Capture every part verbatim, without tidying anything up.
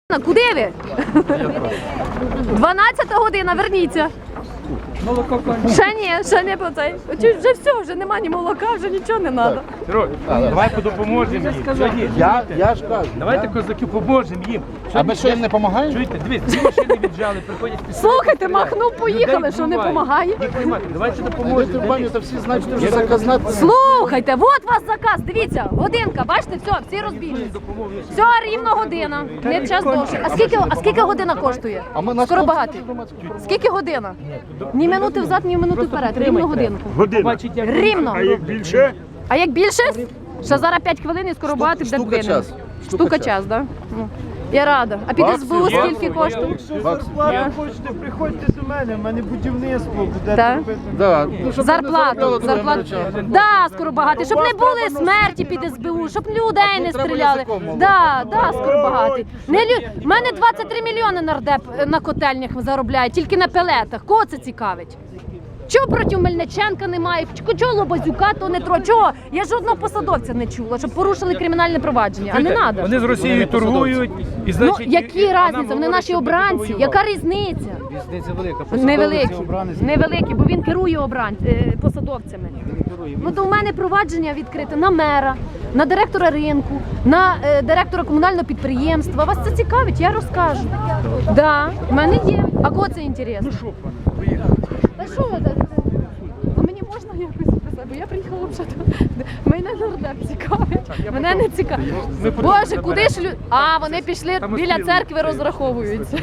Куди ви? дванадцята година, верніться. Молоко кончилось. Ще ні, ще не по цей. Чи вже все, вже нема ні молока, вже нічого не треба. Сереж, давай допоможемо їм. Я, я ж кажу. Давайте, козаки, поможемо їм. А ми що, їм не допомагаємо? Чуєте, дивись, дві машини віджали, приходять після. Слухайте, махнув, поїхали, що не допомагає. Давайте Ми допоможемо. турбані, то всі знають, що вже заказнати. Слухайте, от вас заказ, дивіться, годинка, бачите, все, всі розбіглись. Все, рівно година, не час довше. А скільки, а скільки година коштує? А ми на Скоро багато. Скільки година? Ні минути взад, ні минути вперед, рівно годинку. Година. Рівно. А як більше? А як більше? Ще зараз п'ять хвилин і скоро багато буде штука двинемо. час. Штука Штука час, так? Да? Я рада. А під ес бе у скільки коштує? Якщо зарплату хочете, приходьте до мене, в мене будівництво буде Так. робити. Да. Ну, щоб вони Зарплату, заробляли, зарплату. то я не Да, скоро багато, щоб не були смерті під ес бе у, щоб людей не треба стріляли. язиком мовити. Да, да, скоро багато. Не лю... У мене двадцять три мільйони нардеп на котельнях заробляє, тільки на пелетах. Кого це цікавить? Чого проти Мельниченка немає? Чого Лобазюка то не тро? Чого? Я жодного посадовця не чула, щоб порушили кримінальне провадження. А не треба. Вони з Росією торгують. І, Ну, значить, які і- а нам різниці? Вони говорять, наші щоб ми обранці. воювали. Яка різниця? Різниця велика. Невеликі, невеликі, бо він керує обран... е, посадовцями. Ну то в мене провадження відкрите на мера, на директора ринку, на е, директора комунального підприємства. Вас це цікавить, я розкажу. Так, да, в мене є. А кого це інтересно? Ну що, Та що ви? А мені можна якось записати? Бо я приїхала взагалі. Мене нардеп цікавить. Мене не цікавить. Боже, куди ж люди? А, вони пішли біля церкви розраховуються.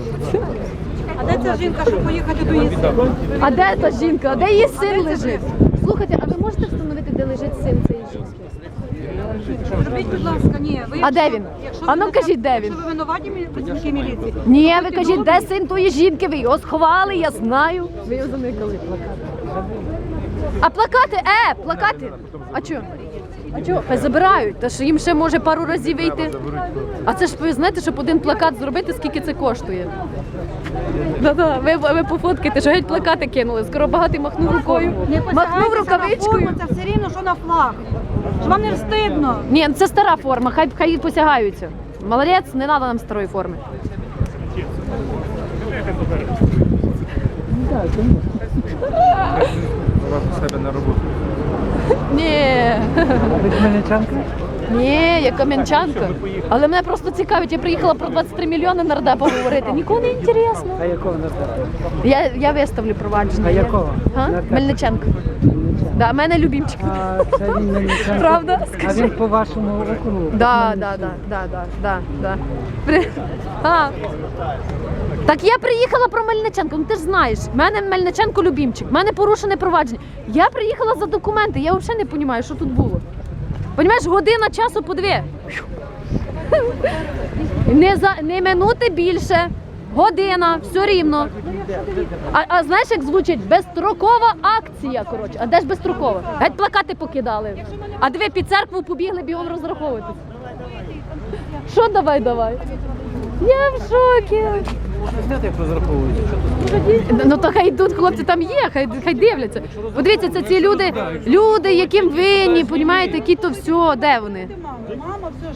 А де ця жінка, щоб поїхати до її сина? А де та жінка? А де її син лежить? Слухайте, а ви можете встановити, де лежить син цієї жінки? Зробіть, будь ласка, ні. Ви, А де він? якщо А ну ви- кажіть, де він? Якщо ви винуваті мі- працівники міліції. Ні, ви будьте кажіть, добрі. де син тої жінки? Ви його сховали, я знаю. Ви його заникали плакати. А плакати, е, плакати. А чого? А чого? Хай забирають, та що їм ще може пару разів вийти. А це ж ви знаєте, щоб один плакат зробити, скільки це коштує? Да-да, ви, ви пофоткайте, що геть плакати кинули. Скоро багатий махнув рукою, Не махнув посягайтеся рукавичкою. на форму, це все рівно, що на флаг. Що вам не встидно? Ні, це стара форма, хай, хай посягаються. Молодець, не треба нам старої форми. У себе на роботу. Ні. Ви Хмельничанка? Ні, я кам'янчанка. Але мене просто цікавить, я приїхала про двадцять три мільйони нардепа говорити. Нікому не інтересно. А якого нардепа? Я, я виставлю провадження. А якого? Га? Нардепа? Мельниченко. Да, мене любімчик. А це він Хмельничанка? Правда? А Скажи. він по вашому округу? Да, да, да, да, да, да, да. При... А. Так я приїхала про Мельниченко, ну ти ж знаєш, в мене Мельниченко любімчик, в мене порушене провадження. Я приїхала за документи, я взагалі не розумію, що тут було. Понімаєш, година часу по дві. Не, за, не минути більше, година, все рівно. А, а знаєш, як звучить? Безстрокова акція, коротше. А де ж безстрокова? Геть плакати покидали. А диви, під церкву побігли бігом розраховуватись. Що давай, давай? Я в шокі. Знаєте, як розраховують? Ну то хай йдуть, хлопці там є, хай, хай дивляться. Подивіться, це ці люди, люди, яким винні, понімаєте, які то все, де вони? Мама, все ж.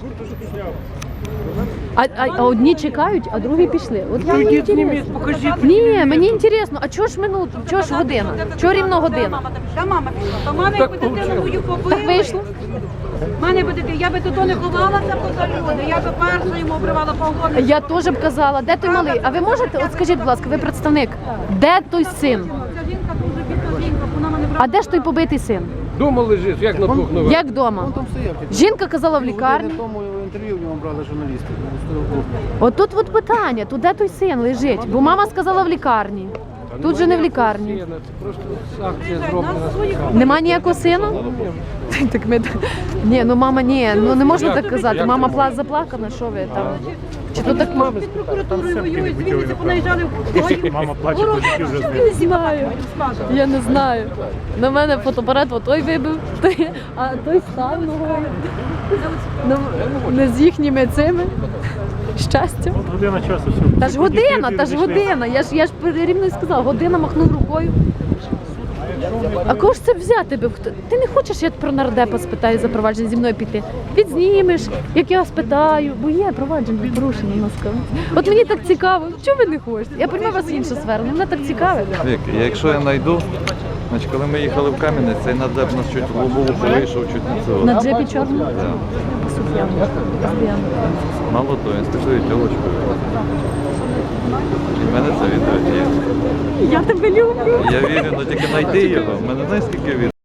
А, а, а одні чекають, а другі пішли. От я мені Йдіть, зніміть, інтересно. покажіть. Ні, мені інтересно, а чого ж минуту, чого ж година? Чого рівно година? Та мама пішла. Та мама, якби дитину мою побили. Так вийшло. Мене би дитина, я би тут не ховалася поза люди, я би перша йому обривала погони. Я теж б казала, де той малий? А ви можете, от скажіть, будь ласка, ви представник, де той син? Ця жінка дуже бідна жінка, вона мене брала. А де ж той побитий син? Дома лежиш, як на двох ногах. Як вдома? Там стояв. Жінка казала в лікарні. Години тому інтерв'ю в нього брали журналісти. От тут от питання, тут де той син лежить? Бо мама сказала в лікарні. Тут же не в лікарні. Це просто акція Нас зроблена. своїх Нема ніякого сина? Так ми ні, ну мама, ні, ну не можна так казати. Мама пла заплакана, що ви там? Чи то так мама? під прокуратурою воюють, з Вінниці понаїжджали в Київ. Мама плаче, козаки вже Я не знаю. Я не знаю. На мене фотоапарат той вибив, той, а той став ногою. Ну, не з їхніми цими. Щастя. година часу. все. Та ж година, та ж година. Я ж я ж рівно й сказала, година махнув рукою. А кого ж це взяти би? Хто? Ти не хочеш, я про нардепа спитаю за провадження зі мною піти? Підзнімеш, як я спитаю, бо є провадження порушення на скаві. От мені так цікаво, чого ви не хочете? Я приймаю вас в іншу сферу, але мене так цікаво. Вік, якщо я знайду, значить, коли ми їхали в Кам'янець, цей нардеп нас чуть в лобову вийшов, чуть не цього. На джепі чорному? Да. Соф'ян, постійно. Мало того, він з такою тілочкою. І в мене це відео є. Я тебе люблю. Я вірю, але тільки знайди його. В мене знаєш, скільки відео.